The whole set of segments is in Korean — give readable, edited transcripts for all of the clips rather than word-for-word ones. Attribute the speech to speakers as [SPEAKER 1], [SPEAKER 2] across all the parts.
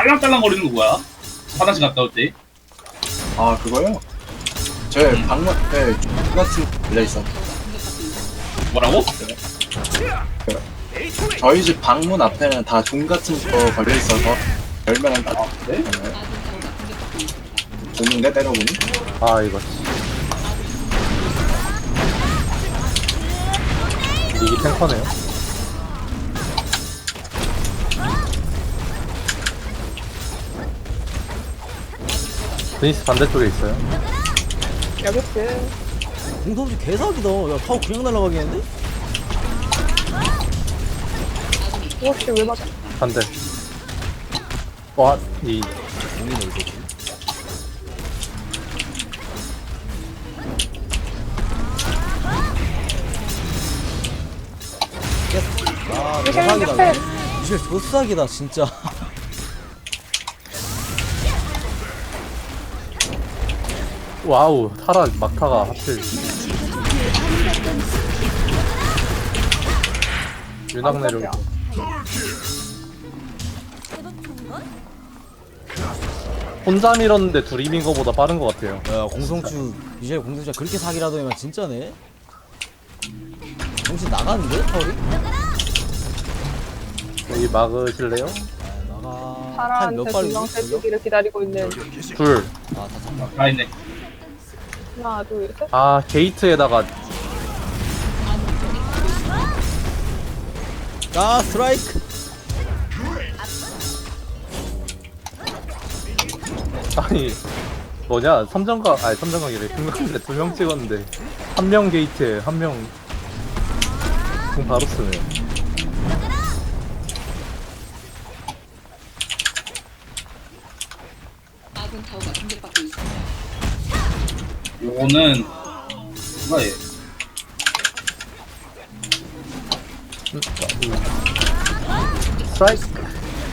[SPEAKER 1] 딸랑딸랑거리는 거 뭐야? 화장실 갔다 올 때?
[SPEAKER 2] 아 그거요? 제 방문 네 같은 열려 있어.
[SPEAKER 1] 뭐라고?
[SPEAKER 2] 저희 집 방문 앞에는 다 종 같은 거 걸려 있어서 열면은 딱
[SPEAKER 1] 네?
[SPEAKER 2] 오는데 때려보니.
[SPEAKER 3] 아 이거 이게 탱커네요. 드니스 반대쪽에 있어요.
[SPEAKER 4] 여기 있음.
[SPEAKER 5] 공성주 개사기다. 야, 타워 그냥 날아가겠는데?
[SPEAKER 4] 혹시 왜 맞아?
[SPEAKER 3] 반대. 와, 이
[SPEAKER 5] 공이 어디 있지? 아, 개사기다. 이제 조사기다, 진짜.
[SPEAKER 3] 와우 타라 막타가 하필 윤학 내려오고. 혼자 밀었는데 둘이 민 거보다 빠른 것 같아요.
[SPEAKER 5] 야, 공성주, 이제 공성주가 그렇게 사기라더니만 진짜네? 정신 나가는데, 타월이?
[SPEAKER 3] 여기 막으실래요?
[SPEAKER 5] 아, 나가.
[SPEAKER 4] 파라한테
[SPEAKER 5] 칸몇 발이지?
[SPEAKER 4] 두명 세주기를 기다리고 있는.
[SPEAKER 3] 둘.
[SPEAKER 5] 아, 다 잡나?
[SPEAKER 1] 다 있네.
[SPEAKER 4] 하나, 둘, 셋.
[SPEAKER 3] 아 게이트에다가
[SPEAKER 5] 아, 스트라이크!
[SPEAKER 3] 아니 뭐냐 삼정각 아니 삼정각이래. 중간에 2명 찍었는데 한 명 게이트에 한 명 공 바로 쓰네.
[SPEAKER 1] 요거는 뭐야 얘?
[SPEAKER 3] 스트라이크.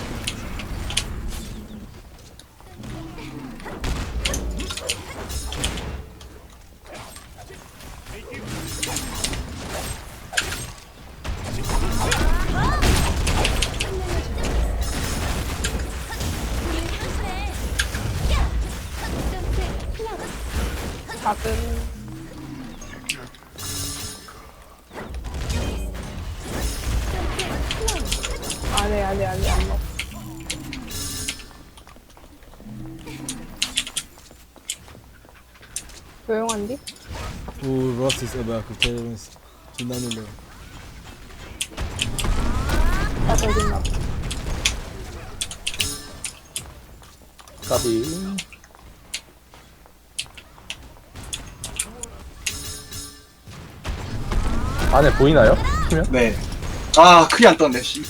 [SPEAKER 4] 작은. 안 먹어. 조용한디?
[SPEAKER 5] 오, 로라스 있어. 뭐야, 그 테러리스트. 존나 놀래.
[SPEAKER 4] 나 저기 있나 봐.
[SPEAKER 3] 까비. 안에 보이나요? 치면?
[SPEAKER 2] 네. 아 크게 안 떴네 씨.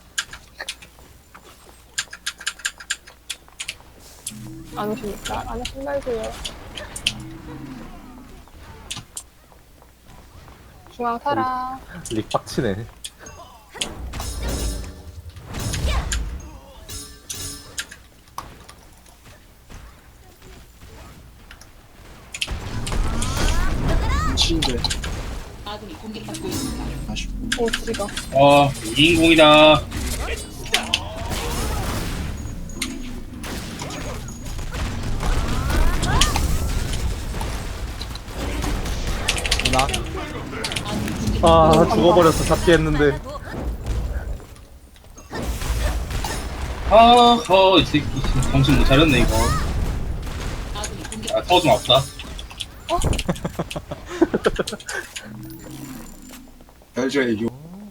[SPEAKER 4] 안 오십니까? 안 오신 말고요. 중앙 살아.
[SPEAKER 3] 릭 빡치네.
[SPEAKER 2] 미친데. 아쉽고.
[SPEAKER 4] 오, 지가.
[SPEAKER 1] 2인공이다.
[SPEAKER 5] 나?
[SPEAKER 3] 아 죽어버렸어. 잡기 했는데.
[SPEAKER 1] 이 새끼 정신 못 차렸네 이거. 아, 타워 좀 없다.
[SPEAKER 2] 별저 애교.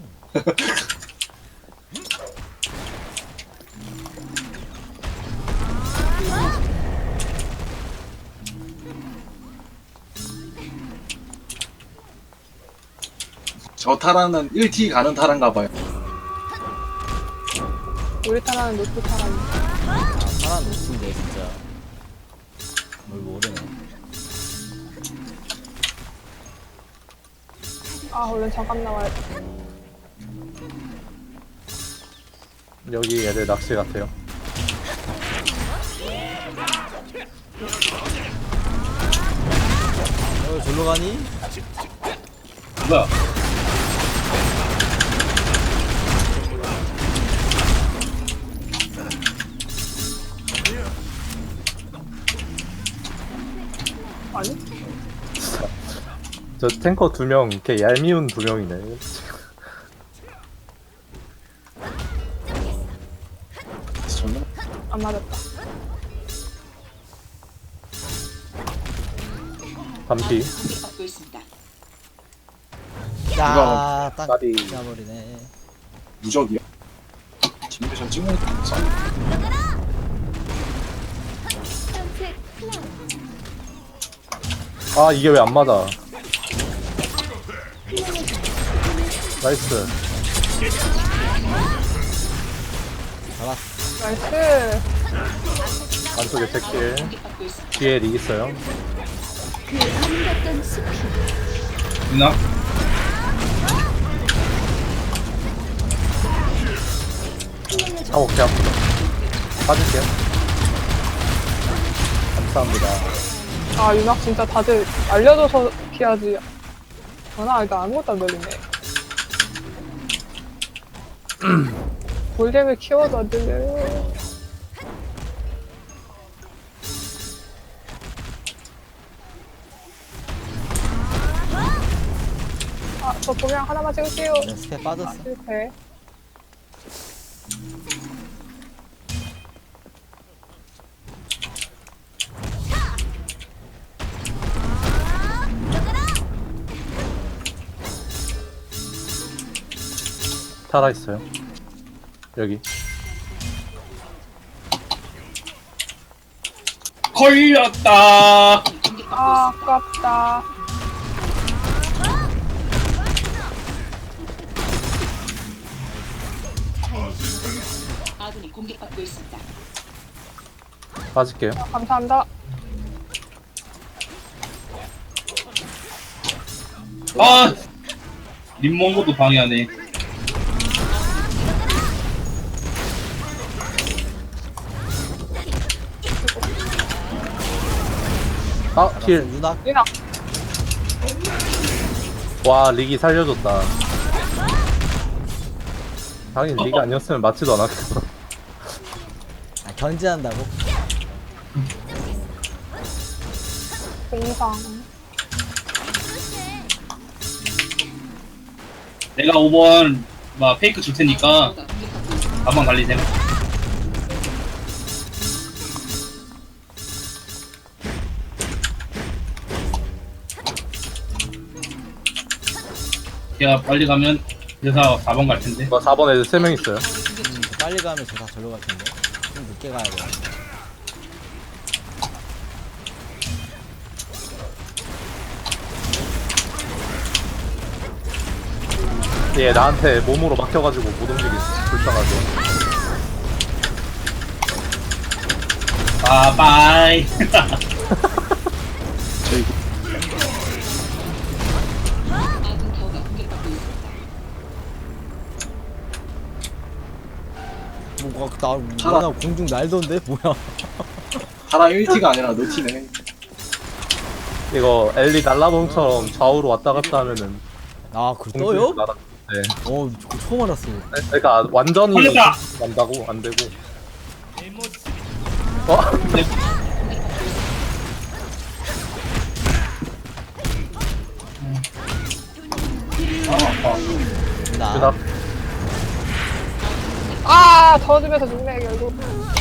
[SPEAKER 2] 저 타라는 1T 가는 타란가 봐요.
[SPEAKER 4] 우리 타라는 노트 타라는.
[SPEAKER 5] 아, 파란 노트인데, 진짜. 뭘 모르네.
[SPEAKER 4] 아, 얼른 잠깐 나와야 돼.
[SPEAKER 3] 여기 애들 낚시 같아요.
[SPEAKER 5] 절로 가니?
[SPEAKER 1] 뭐야?
[SPEAKER 4] 아니?
[SPEAKER 3] 저 탱커 2명 이렇게 얄미운 2명이네.
[SPEAKER 2] 정말
[SPEAKER 4] 안 맞았다.
[SPEAKER 3] 밤피.
[SPEAKER 6] 받고 있습니다.
[SPEAKER 5] 야, 딱
[SPEAKER 3] 까비.
[SPEAKER 5] 잡아버리네.
[SPEAKER 2] 무적이야. 진미션 찍는 거 없어.
[SPEAKER 3] 아 이게 왜 안 맞아? 나이스.
[SPEAKER 5] 잡았어.
[SPEAKER 4] 나이스.
[SPEAKER 3] 안쪽에 제킬.
[SPEAKER 6] 공격받고 있습니다.
[SPEAKER 3] 뒤에 릭 있어요.
[SPEAKER 1] 누나?
[SPEAKER 3] 아우 개 아프다. 빠질게요. 감사합니다.
[SPEAKER 4] 아, 윤학 진짜 다들 알려줘서 피하지. 전화 일단 아무것도 안 들리네. 볼륨을 키워도 안 들려요. 아, 저 도명 하나만 찍을게요.
[SPEAKER 5] 내 스펙 빠졌어.
[SPEAKER 4] 실패.
[SPEAKER 3] 타라 있어요. 여기.
[SPEAKER 1] 걸렸다.
[SPEAKER 4] 아, 아깝다.
[SPEAKER 6] 아군이 공격받고 있습니다.
[SPEAKER 3] 빠질게요.
[SPEAKER 4] 감사합니다.
[SPEAKER 1] 아! 림몽고도 방해하네.
[SPEAKER 3] 아 킬.
[SPEAKER 5] 윤학.
[SPEAKER 4] 윤학.
[SPEAKER 3] 와 릭이 살려줬다. 당연히 릭이 아니었으면 맞지도 않았겠어.
[SPEAKER 5] 아, 견제한다고?
[SPEAKER 4] 공상.
[SPEAKER 1] 내가 5번 막 페이크 줄 테니까
[SPEAKER 6] 공격받고 있습니다.
[SPEAKER 1] 가방 달리세요. 제가 빨리 가면 회사 4번 갈 텐데.
[SPEAKER 3] 뭐 4번 애들 3명 있어요.
[SPEAKER 5] 빨리 가면 저 다 절로 갈 텐데. 좀 늦게 가야 돼.
[SPEAKER 3] 얘 나한테 몸으로 막혀가지고 못 움직이겠어. 불쌍하게.
[SPEAKER 1] 아, 바이.
[SPEAKER 2] 저희
[SPEAKER 6] 아군 타워가 공격받고 있습니다.
[SPEAKER 5] 뭐가 나 공중 날던데 뭐야?
[SPEAKER 2] 하나 1티가 아니라 노티네.
[SPEAKER 3] 이거 엘리 날라봉처럼 좌우로 왔다 갔다 하면은
[SPEAKER 5] 아, 그걸 떠요?
[SPEAKER 3] 날아. 네.
[SPEAKER 5] 저거 처음 알았어.
[SPEAKER 3] 그러니까 완전히
[SPEAKER 1] 걸렸다!
[SPEAKER 3] 난다고 안 되고. 어?
[SPEAKER 1] 아, 아파.
[SPEAKER 5] 나.
[SPEAKER 3] 그다
[SPEAKER 4] 아, 더듬에서 죽네, 결국.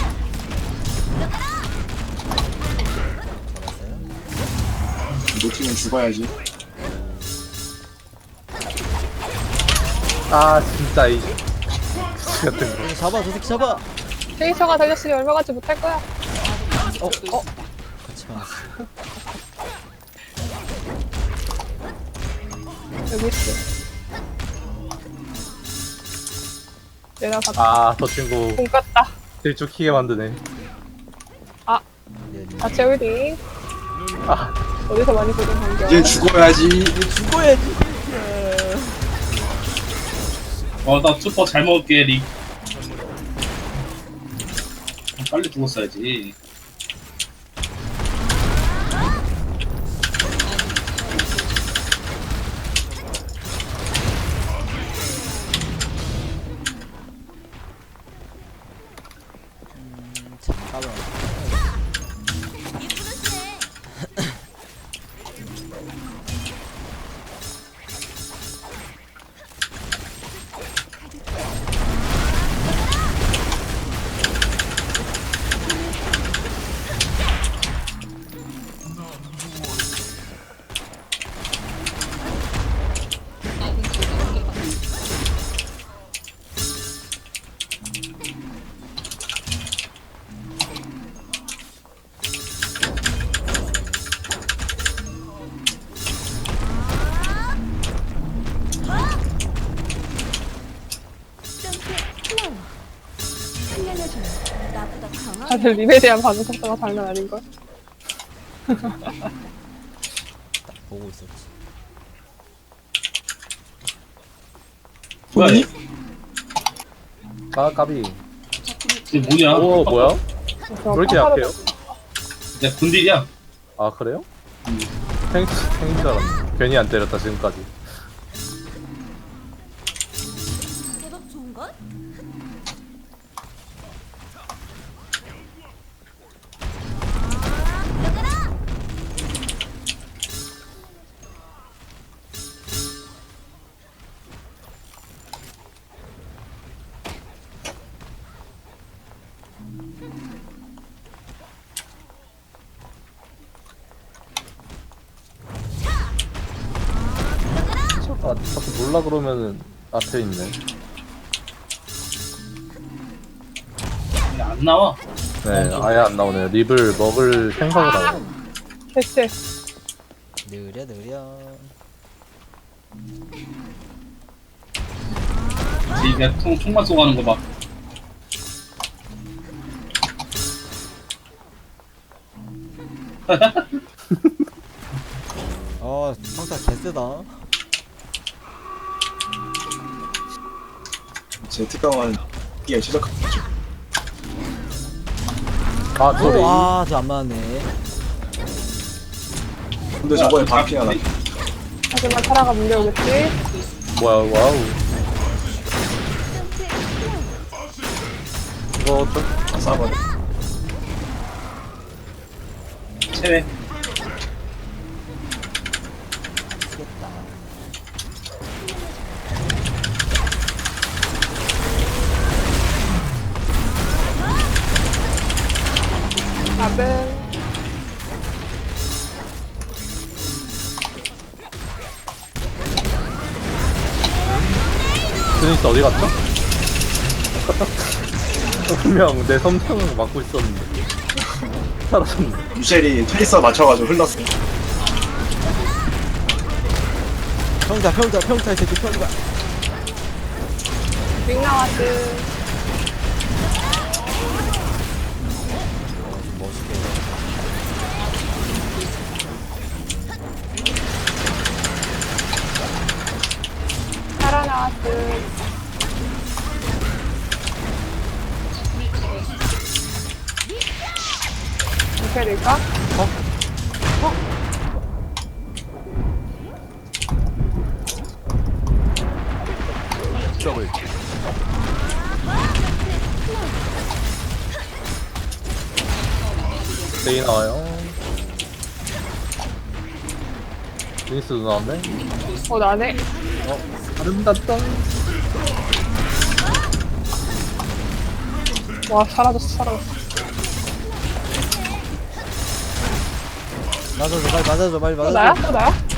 [SPEAKER 2] 노티는 죽어야지.
[SPEAKER 3] 아 진짜 이 X 같은 거.
[SPEAKER 5] 이거 잡아, 저 새끼 잡아.
[SPEAKER 4] 데이터가 달렸으니 얼마 가지 못할 거야.
[SPEAKER 6] 공격받고 있습니다.
[SPEAKER 5] 같이 가놨어.
[SPEAKER 4] 여기 있어. 내가 다
[SPEAKER 3] 아저 친구
[SPEAKER 4] 공 깠다.
[SPEAKER 3] 들쭉히게 만드네.
[SPEAKER 4] 자체 홀딩.
[SPEAKER 3] 아
[SPEAKER 4] 어디서 많이 보던 광경.
[SPEAKER 2] 이제 죽어야지.
[SPEAKER 5] 죽어야지.
[SPEAKER 1] 나 슈퍼 잘 먹을게, 릭. 빨리 죽었어야지.
[SPEAKER 5] 잠깐만.
[SPEAKER 4] 다들 립에 대한 반응 속도가 장난 아닌걸?
[SPEAKER 5] 보고 있었지.
[SPEAKER 1] 뭐야 얘?
[SPEAKER 3] 아 까비.
[SPEAKER 1] 이게 뭐냐?
[SPEAKER 3] 오 뭐야? 왜 이렇게 약해요?
[SPEAKER 1] 야 군딜이야.
[SPEAKER 3] 아 그래요? 생인 줄 알았네. 괜히 안 때렸다 지금까지.
[SPEAKER 7] 제법 좋은걸?
[SPEAKER 3] 아 자꾸 몰라 그러면은 앞에 있네.
[SPEAKER 1] 이게 안 나와.
[SPEAKER 3] 네 아예 안 나오네요. 립을 먹을 생각을 안 해요.
[SPEAKER 4] 대체
[SPEAKER 5] 느려 느려.
[SPEAKER 1] 이게 총만 쏘고 하는 거 봐.
[SPEAKER 5] 아 평타 개쎄다.
[SPEAKER 2] 제 특강은 이게 시작하죠.
[SPEAKER 3] 아 소리.
[SPEAKER 5] 아저 안 맞네.
[SPEAKER 2] 근데 저번에 반피가 나.
[SPEAKER 4] 하지만 타라가 물려오겠지?
[SPEAKER 3] 뭐야 와우. 이거 좀
[SPEAKER 2] 싸버려.
[SPEAKER 1] 체외.
[SPEAKER 4] 답은
[SPEAKER 3] 드니스 어디 갔죠? 분명 내 섬창을 막고 있었는데 사라졌네.
[SPEAKER 2] 유셀이 트리서 맞춰가지고 흘렀어.
[SPEAKER 5] 평타 이 새끼 평타.
[SPEAKER 4] 윙 나왔음.
[SPEAKER 5] 멋있게.
[SPEAKER 4] 타라 나왔음. 이렇게 될까?
[SPEAKER 3] 더블. 데이 나와요. 드니스도 나왔네.
[SPEAKER 4] 나네.
[SPEAKER 3] 아름답다.
[SPEAKER 4] 와, 사라졌어.
[SPEAKER 5] 맞아줘 빨리 맞아줘 빨리
[SPEAKER 4] 또
[SPEAKER 5] 맞아줘.
[SPEAKER 4] 나야? 또 나야?